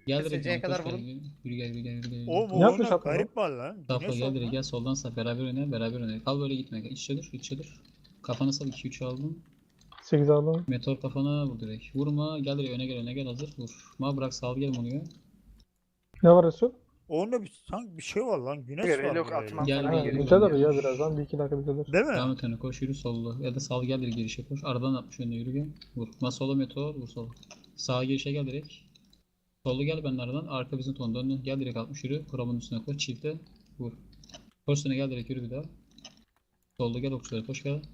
Gel direkt SC'ye bana kadar koş gel. vurun. Yürü gel yürü gel yürü gel. Oğlum Ne o yapmış oyunda Atman? garip var lan. Safla Güneş gel var direkt lan. gel soldan saf beraber oyna beraber oyna. Kal böyle gitme. İçe dur içe dur. Kafana sal 2-3 aldım. 8 aldım. Meteor kafana vur direkt. Vurma gel direkt öne gel hazır vur. Ma bırak sal gel onu ya. Ne var Resul? O oyunda sanki bir şey var lan. Güneş var Relok böyle. atmam Gel, falan gel, Ha, gel. gerekiyor. düzelir ya birazdan. 1-2 dakika düzelir. Değil mi? Devam et öne koş yürü sollu. Ya da sal gel direkt girişe koş. Aradan 60 önüne yürü gel. Vur. Ma sola meteor vur sola. Sağa girişe gel direkt. Sollu gel ben aradan. Arka bizim ton dön. Gel direkt 60 yürü. Kuramın üstüne koş. Çifte. Vur. Koş üstüne gel direkt yürü bir daha. Sollu gel okçulara koş gel.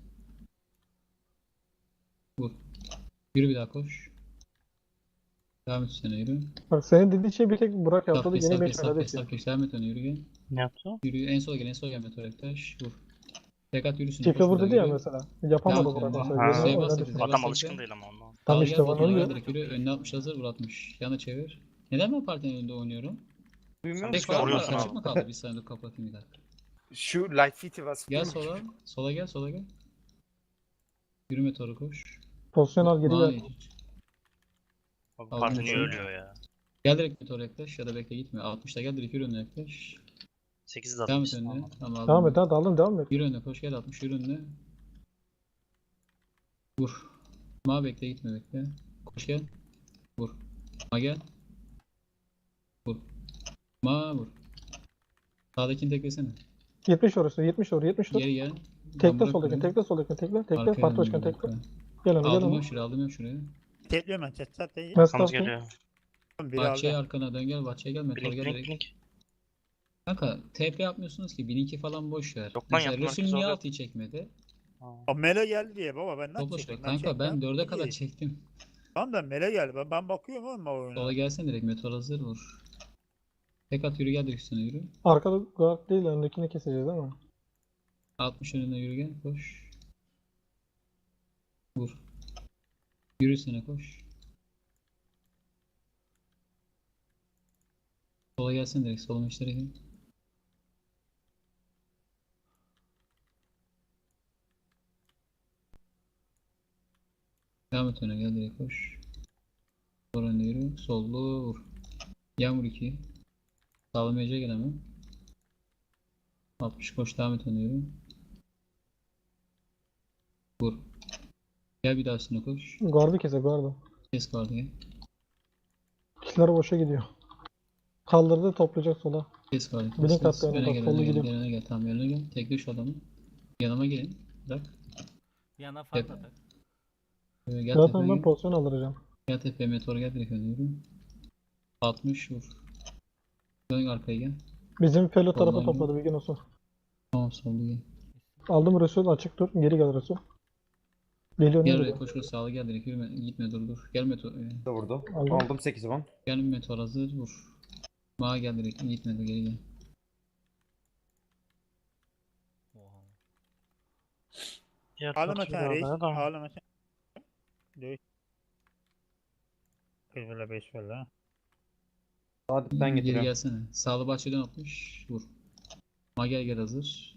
Vur. Yürü bir daha koş. Devam et üstüne yürü. Bak senin dediğin şey bir tek Burak yaptı. Saf geç Yeni saf geç meç saf geç kardeşim. saf geç. Devam et öne yürü gel. Ne yaptı? Yürü en sola gel meteor yaklaş. Vur. Tekat yürüsün. Çiftle koş vurdu burada, diyor ya yürü. mesela. Yapamadı Devam et Burak önüne. mesela. Ha. Yeni Şey oynadı bastı, şimdi. şey Adam bastı. alışkın değil ama ondan. Tam Al işte gel bana botuna oluyor. gel direkt yürü. Önüne 60 hazır vur 60. Yana çevir. Neden ben partinin önünde oynuyorum? Duymuyor Tek musun? falan var. koruyorsun Açık abi. mı kaldı? Bir saniye dur kapatayım bir dakika. Şu light fit'i var. Gel sola. Sola gel sola gel. Yürü meteoru koş. Pozisyon al geri ver. Vay. Abi Aldım parti niye içeri. ölüyor ya? Gel direkt meteora yaklaş ya da bekle gitme. 60'ta gel direkt yürü önüne yaklaş. 8 de Devam et atmışsın önüne. ama. Tamam aldım. Devam et hadi alın devam et. Yürü önüne koş gel 60 yürü önüne. Vur. Ma bekle gitme bekle. Koş gel. Vur. Ma gel. Vur. Ma vur. Sağdakini teklesene. 70 orası 70 orası 70 dur. Geri gel. Tekle soldakini tekle soldakini tekle. Tekle parti başkanı tekle. Gel onu gel Aldım onu. ben şuraya aldım ben şuraya. Tekliyorum ben. Zaten Ben Arkamız staff'ım. geliyor. biri Bahçeye aldı. arkana dön gel bahçeye gel meteor Blink gel blink direkt. blink. Kanka TP yapmıyorsunuz ki 1002 falan boş ver. Yok lan, Mesela yaptım, Resul herkes niye orada. 6'yı çekmedi? Aa, Mele geldi diye baba ben nasıl Topla çekeyim? şuraya. Kanka ben 4'e kadar İyi. çektim. Tamam da Mele geldi. Ben bakıyorum oğlum o oyuna. Sola gelsene direkt meteor hazır vur. Tek at yürü gel direkt üstüne yürü. Arkada guard değil öndekini keseceğiz değil mi? 60 önüne yürü gel koş. Vur. Yürü üstüne koş. Sola gelsene direkt solun işlere gel. Devam et öne gel direkt koş. Sol önüne yürü. Sollu vur. Yağmur 2. Sağlamayacak gel hemen. 60 koş devam et öne yürü. Vur. Gel bir daha üstüne koş. Guard'ı kese guard'ı. Kes vardı gel. Kişiler boşa gidiyor. Kaldırdı toplayacak sola. Kes vardı. Blink Kes. attı, Öne bak, gel sollu öne gel gidiyor. gel öne gel. Tamam öne gel. Tekle şu adamı. Yanıma gelin. Bırak. Yana fark Hep- atar. Gel Zaten tepeye ben gel. pozisyon alacağım. Gel tepeye meteor gel direkt öne yürü. 60 vur. Dön arkaya gel. Bizim Felo tarafa Vallahi topladı bir gün olsun. Tamam soldu gel. Aldım Resul açık dur. Geri gel Resul. Geliyor ne Gel oraya geliyor? koş koş sağlı gel direkt yürüme. Gitme dur. Gel meteor. Da vurdu. Aldım. Aldım 8 ban. Gel meteor hazır vur. Mağa gel direkt. Gitme dur geri gel. Oha. Diğer Ağlama partiyi sen de reis. almaya da. Ağlama sen. Dövüş. 1 vs 5 vs ha. Sadık'tan Geri getiriyorum. gelsene. Sağlı bahçeden atmış. Vur. Ma gel hazır.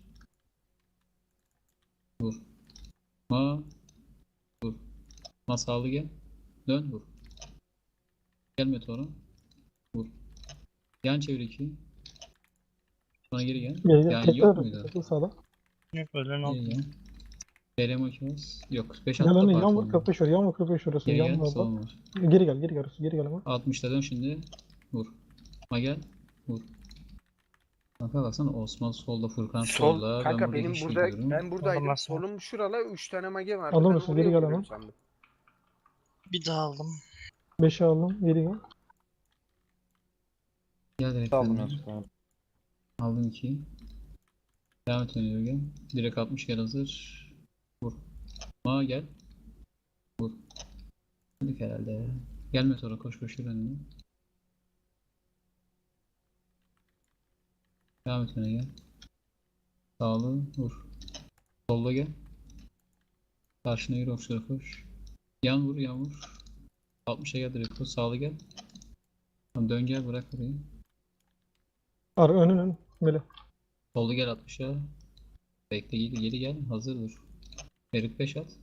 Vur. Ma. Vur. Ma sağlı gel. Dön vur. Gel meteora. Vur. Yan çevir 2. Sonra geri gel. Geri gel. Yani Tekle yok Resul. muydu? Tekle sağda. Yok öyle ne Geri oldu? gel. BRM 2 Yok. 5 Gel 6 önüne parti yan vur oldu. 45 vur. Yan vur 45 vur Resul. Geri Yan gel. vur. Sol Bak. var. Geri gel Resul. Geri gel ama. 60'ta dön şimdi. Vur. Ma gel. Vur. Kanka baksana Osman solda, Furkan Sol. solda. Kanka ben benim hiç burada gidiyorum. ben buradaydım. Anlamazsın. Solum şurala 3 tane mage vardı. Aldım Ben Resul, oraya geri gel vuruyorum ama. sandım. Bir daha aldım. 5'i aldım. Geri gel. Gel direkt Aldım önüne. ya. Aldım 2'yi. Devam et önüne gel. Direkt 60 gel hazır. Vur. Ma gel. Vur. Hadi herhalde ya. Gelme sonra koş koş yürü önüne. Devam et öne gel. Sağlı vur. Solda gel. Karşına yürü okçulara koş. Yan vur yan vur. 60'a gel direkt koş. Sağlı gel. Tamam, dön gel bırak orayı. Ar önün. Böyle. Solda gel 60'a. Bekle geri gel. Hazır vur. Ferit 5 at.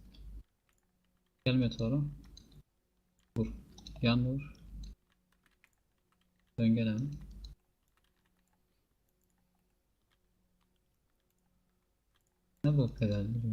Gel meteora. Vur. Yan vur. Dön gel hemen. Ne bu kadar ya?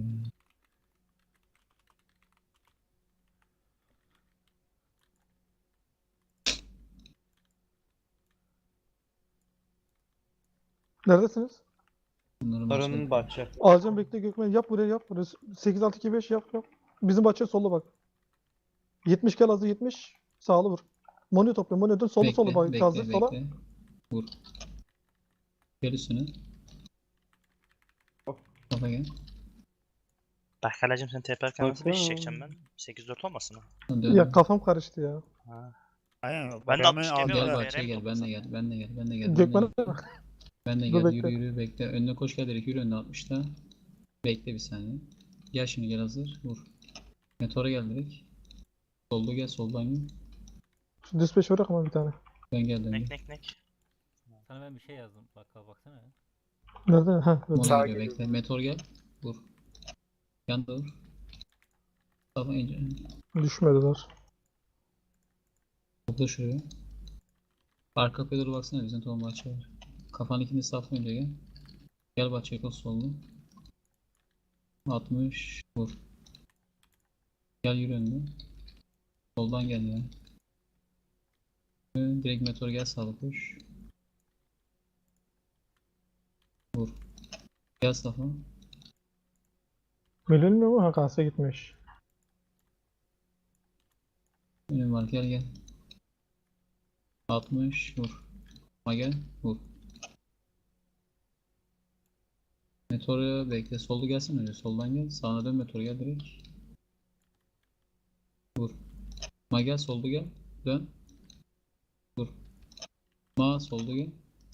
Neredesiniz? Bunları Sarının bahçe. Alacağım bekle Gökmen. Yap buraya yap. Buraya. 8-6-2-5 yap yap. Bizim bahçe solu bak. 70 gel hazır 70. Sağlı vur. Monyo topla. Monyo dön. Solu solu bak. Hazır sola. bekle. Vur. Gel üstüne. Kafa gel. Berkalay'cım sen TP'lerken nasıl Bakın. 5 çekeceğim ben? 8-4 olmasın o? Dön. Ya kafam karıştı ya. Ha. Aynen. Ben de Hemen 60 aldı demiyorum. Gel da. bahçeye gel. Ben de gel. Ben de gel. Ben de gel. Gökmen Ben de Dur, gel. bekle. Yürü bekle. Önüne koş gel direkt. Yürü önüne 60'ta. Bekle bir saniye. Gel şimdi gel hazır. Vur. Meteora gel direkt. Solda gel. Soldan gel. şu düz peş bırak ama bir tane. Ben geldim. Nek nek nek. Sana ben bir şey yazdım. Baksana ya. Nerede? Ha. Mono Sağa geliyor geliyor. bekle. Meteor gel. Vur. Yanda vur. Tamam önce. Düşmediler. Topla şuraya. Arka kapıya doğru baksana bizim tohum bahçe var. Kafanın ikini safla önce gel. Gel bahçeye koş sollu. 60 vur. Gel yürü önüne. Soldan gel ya. Direkt meteor gel sağla koş. Vur. Gel safa. Bilinmiyor mu? Ha kanser gitmiş. Önüm var gel gel. 60 vur. Ma gel vur. Meteoru bekle. Soldu gelsin önce. Soldan gel. Sağına dön meteor gel direkt. Vur. Ma gel soldu gel. Dön. Vur. Ma soldu gel.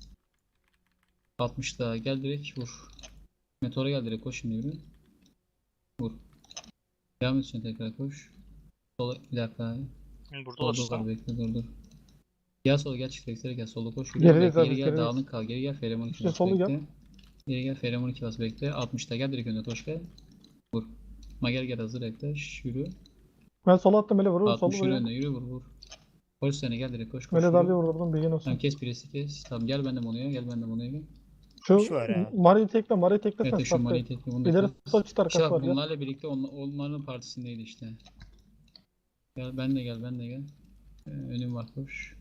60 daha gel direkt vur. Meteora gel direkt koş şimdi yürü. Vur. Devam et şimdi tekrar koş. Sola bir dakika. Burada Solda olursa. var bekle dur. Gel sola gel çift eksere gel sola koş. Yürü. Gerideyiz Bekle, abi, geri gel gerideyiz. dağınık kal. Geri gel Feremon 2 İşte bas solu gel. bekle. Geri gel Feremon 2 bas bekle. 60'ta gel direkt önüne koş gel. Vur. Mager gel hazır yaklaş. Yürü. Ben sola attım Mele vur. 60 Solu yürü vuruyor. önüne yürü vur. Koş seni gel direkt koş koş. Mele yürü. darlıyor vurdum. Bilgin olsun. Tamam kes birisi kes. Tamam gel ben de Mono'ya gel ben de Mono'ya gel. Şu Şu var ya. Mari'yi tekle. Mari'yi teklesen Evet şu safta. Mani'yi tekle bunu da İleri kes. sol çit İşte arkası bak var ya. bunlarla birlikte onların partisindeydi işte. Gel ben de gel ben de gel. Önüm var koş.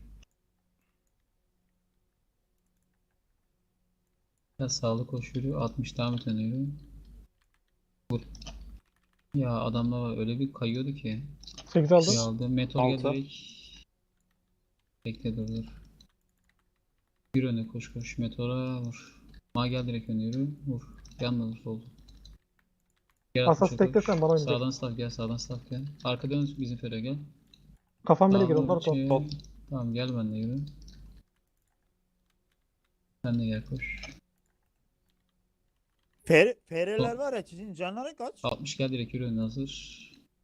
Gel sağlı koş yürü. 60 devam et öne yürü. Vur. Ya adamlar var öyle bir kayıyordu ki. 8 aldım. Şey aldı. Meteor gel Altı. direkt. Bekle dur. Yürü öne koş koş. Meteora vur. Ma gel direkt öne yürü. Vur. Yanına vur soldu. Gel Asas 60'a teklesen koş. bana oynayacak. Sağdan staff gel sağdan staff gel. Arkadan bizim Fero gel. Kafam Mele gir. Sağdan Onlar şey- top. Tamam gel benimle yürü. Sen de gel koş. Fereler var ya sizin canları kaç? 60 gel direkt yürü önüne hazır.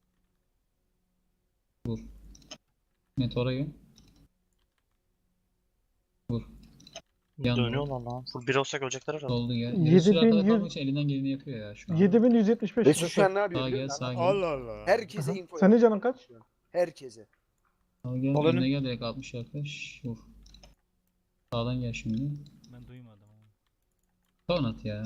Vur. Meteora gel. Vur. Yandı. Dönüyorlar lan. Full 1 olsak ölecekler herhalde. Soldu gel. 7100 Resul arkada kalmak için elinden geleni yapıyor ya şu an. 7175. Resul şu an ne yapıyor Sağa biliyor gel musun? sağa gel. Allah Allah. Herkese Aha. info Senin yapıyor. canın kaç? Herkese. Sağa gel. Sol Önüne önüm. gel direkt 60 yaklaş. Vur. Sağdan gel şimdi. Ben duymadım ama. Son at ya.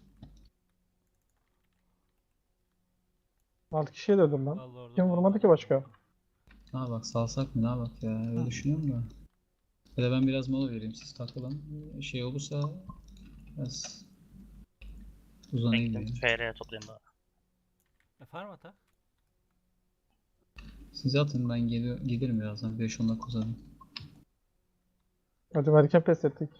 6 kişiye de öldüm lan. Vallahi orada Kim vurmadı duymadım. ki başka? Ne bak salsak mı ne bak ya öyle düşünüyorum da. Ya da ben biraz mola vereyim siz takılın. Şey olursa biraz uzanayım Bekle. diye. FR'ye toplayayım bari. Farm atak. Siz atın ben gelirim birazdan 5-10 dakika uzanayım. Hadi erken pes ettik.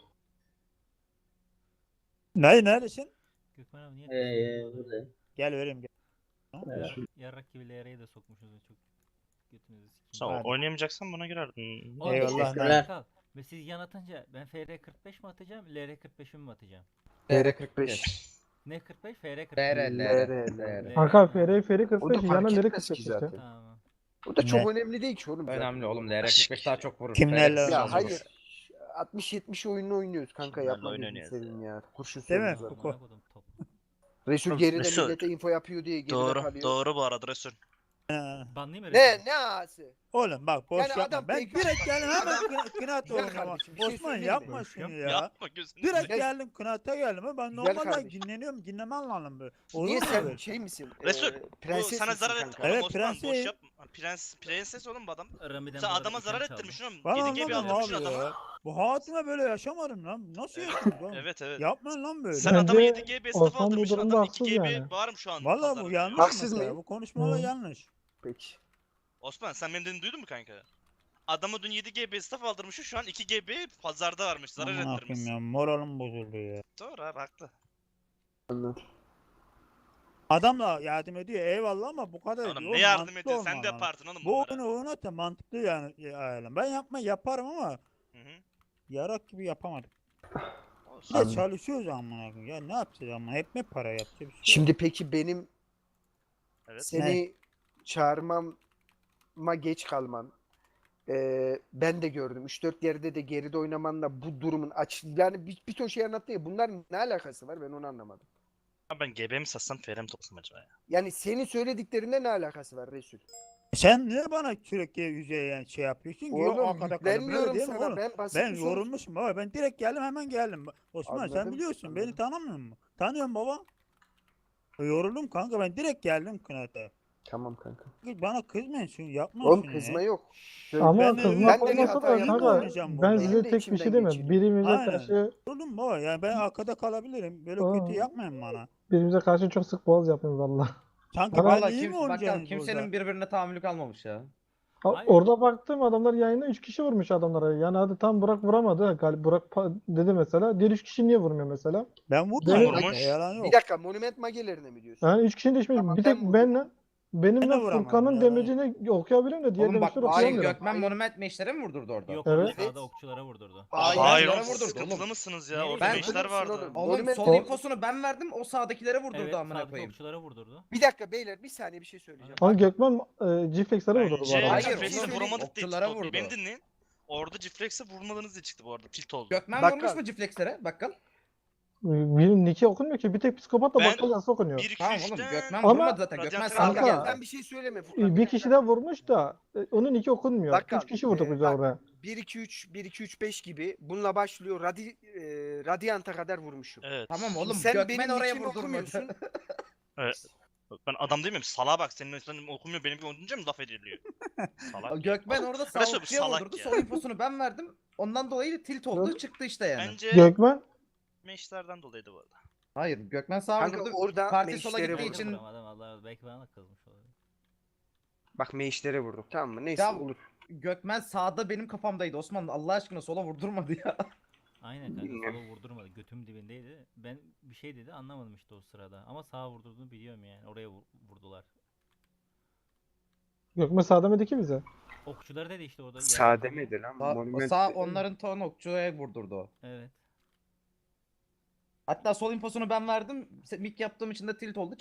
Neredesin? Gökmen abi niye? Burada. Gel vereyim gel. Yarrak gibi LR'ye de sokmuşuz çok götünüzü Sen sikeyim. Hadi. oynayamayacaksan buna girerdin. Oğlum, Eyvallah, teşekkürler. lan. Kal. Ve siz yan atınca ben FR 45 mi atacağım, LR 45'imi mi atacağım? TR45. Ne 45? FR 45. LR. Arka FR 45 O da yana fark Leri etmez 45 ki işte. zaten. Tamam. O da çok Ne? önemli değil ki oğlum. zaten. Önemli oğlum. LR45 daha çok vurur. Kimlerle LR45 Ya az hayır. vurur. 60-70 oyununu oynuyoruz kanka Kimlerle yapma gözünü oynanıyor seveyim ya. Kurşun Değil mi? söylüyoruz Kuku. zaten. Resul geride Resul. millete info yapıyor diye geride Doğru. kalıyor. Doğru bu arada Resul. Banlayayım mı? Ne ağası? Oğlum bak boş Yani yapma. adam Ben pek- direkt geldim hemen Adam- kınat Güzel oğlum. kardeşim, bir şey Osman söyleyeyim mi? yapma şunu ya. Yapma gözünü. Direkt Güzel- geldim kınata geldim. Ben Güzel normalde kardeşim. dinleniyorum. Dinlemen lazım böyle. Olur Niye mu sen böyle? şey misin? Resul, Bu Prenses sana misin zarar kanka? etti. Oğlum Evet, Osman boş prenses. yapma. Prenses oğlum bu adam. Ramiden Sen bana adama item zarar çaldı. ettirmişsin oğlum. Ben 7 GB anlamadım aldırmışsın abi adama. ya. Bu hayatımda böyle yaşamadım lan. Nasıl yaşadım lan? Evet evet. Yapmayın lan böyle. Sen Bence adama 7 GB staff Osman bu aldırmışsın. durumda Adam 2 haksız GB yani. bağırım şu an. Valla bu pazarda. yanlış Haksız mesela. mıyım? Bu konuşmalar Hı. yanlış. Peki. Osman sen benim dediğimi duydun mu kanka? Adama dün 7 GB staff aldırmışsın, şu an 2 GB pazarda varmış, zarar Aman akım ettirmişsin. ya moralim bozuldu ya. Doğru abi, haklı. Anladım. Adam da yardım ediyor eyvallah ama bu kadar Oğlum değil. ne Oğlum, yardım mantıklı ediyorsun, sen olman de lazım. yaparsın oğlum Bu bunları. oyunu oynat mantıklı yani ayarlan. Ben yaparım ama Hı hı. yarak gibi yapamadım. Olsun. Bir de çalışıyoruz amına koyayım. Ya ne yapacağız ama hep mi para yapacağız? Bir şey yok. Şimdi peki benim Evet. seni çağırmama geç kalman. Ben de gördüm. 3-4 yerde de geride oynamanla bu durumun yani bir ton şey anlattı ya. Bunların ne alakası var? Ben onu anlamadım. Abi ben GB mi satsam FR mi toplasam acaba ya? Yani senin söylediklerinde ne alakası var Resul? Sen niye bana sürekli yüzeye yani şey yapıyorsun ki? Yok Oğlum arkada kalıp böyle yüklenmiyorum değil mi sana. oğlum? Ben basit Ben bir soru- yorulmuşum baba. Ben direkt geldim hemen geldim. Osman sen Anladım, biliyorsun beni anladım. tanımıyor musun? Tanıyorum baba. Yoruldum kanka ben direkt geldim kınata. Tamam kanka. Bana kızmayın şunu yapma Oğlum şunu kızma ya. yok. Ama Ben de- kızmak ben de bir olmasa hata da yaptım. kanka Oynayacağım ben bunu. size Benim de tek bir şey içimden demiyorum. geçirdim. Birbirimize Aynen. karşı Yoruldum baba ya ben arkada kalabilirim. Böyle Aa. kötü yapmayın bana. birbirimize karşı çok sık boğaz yapıyoruz valla. Sanki ben Valla iyi mi bakalım oynayacaksınız kimsenin burada? birbirine tahammülü kalmamış ya. Aynen. Orada baktım adamlar yayında 3 kişi vurmuş adamlara. Yani hadi tam Burak vuramadı. Burak dedi mesela. Diğer 3 kişi niye vurmuyor mesela? Ben vurmadım. Benim- kanka, Vurmuş. Yalan yok. Bir dakika monument magelerine mi diyorsun? Yani 3 kişinin değişmiş. Tamam, bir ben tek vurdum. benle benimle Ben de vuramadım Furkan'ın ya. demecini okuyabiliyorum da diğer Oğlum bak demeçleri hayır okuyamıyorum. Gökmen Hayır. monument meşlere mi vurdurdu orada? Yok Evet. sağda okçulara vurdurdu. Hayır. Hayır Yere oğlum, siz vurdurdu sıkıntılı oğlum. mısınız ya? Nereye Orada Ben- meşler vardı. Oğlum. Oğlum Monument- sol O- infosunu ben verdim o sağdakilere vurdurdu Evet amına sağdaki koyayım. okçulara vurdurdu. Bir dakika beyler bir saniye bir şey söyleyeceğim. Ama Gökmen G-Flex'lere vurdu bu Bence arada. Hayır, Cifrex'e bir şey vuramadık diye okçulara tilt oldu. vurdu. Beni dinleyin. Orada Cifrex'e vurmadınız diye çıktı bu arada. Tilt oldu. Gökmen Bakkal. vurmuş mu ciflexlere? Bakkal. Birinin Nick'i okunmuyor ki. Bir tek psikopatla Ben- bakkal yazısı okunuyor. 1 2 Tamam oğlum 3'ten Gökmen Ama- vurmadı zaten. Gökmen Radyantör sağda Kanka. geldi. Sen bir şey söyleme Furkan. Bir kişi daha vurmuş da onun Nick'i okunmuyor. Bakkal, 3 kişi vurduk biz bak, oraya. 1-2-3-1-2-3-5 gibi bununla başlıyor. Radyant'a kadar vurmuşum. Evet. Tamam oğlum Sen Gökmen benim oraya nickimi vurdurmadı. okumuyorsun. Ben adam değil miyim? Salağa bak, senin üstünden okumuyor, benim oynayınca mı laf ediliyor? Salak. Gökmen orada sağ Resul, okçuya salak vurdurdu. ya. Sol infosunu ben verdim. Ondan dolayı tilt oldu. Çıktı işte yani. Bence Gökmen meşlerden dolayıydı bu arada. Hayır Gökmen sağa Kanka vurdu. orada Parti sola meşlere gittiği vurdum. için- Vuramadım Allah belki bana kızmış olabilir. Bak meşlere vurduk tamam mı? Neyse Ya- olur. Gökmen sağda benim kafamdaydı. Osman Allah aşkına sola vurdurmadı ya. Aynen kanka Bilmiyorum. sola vurdurmadı. Götüm dibindeydi. Ben bir şey dedi anlamadım işte o sırada. Ama sağa vurdurduğunu biliyorum yani. Oraya vurdular. Gökmen sağ demedi ki bize. Okçuları dedi işte orada. Sağ yardım- demedi lan. Sağ, Monument sağ dedi. onların ton okçuya vurdurdu o. Evet. Hatta sol infosunu ben verdim. Mik yaptığım için de tilt oldu.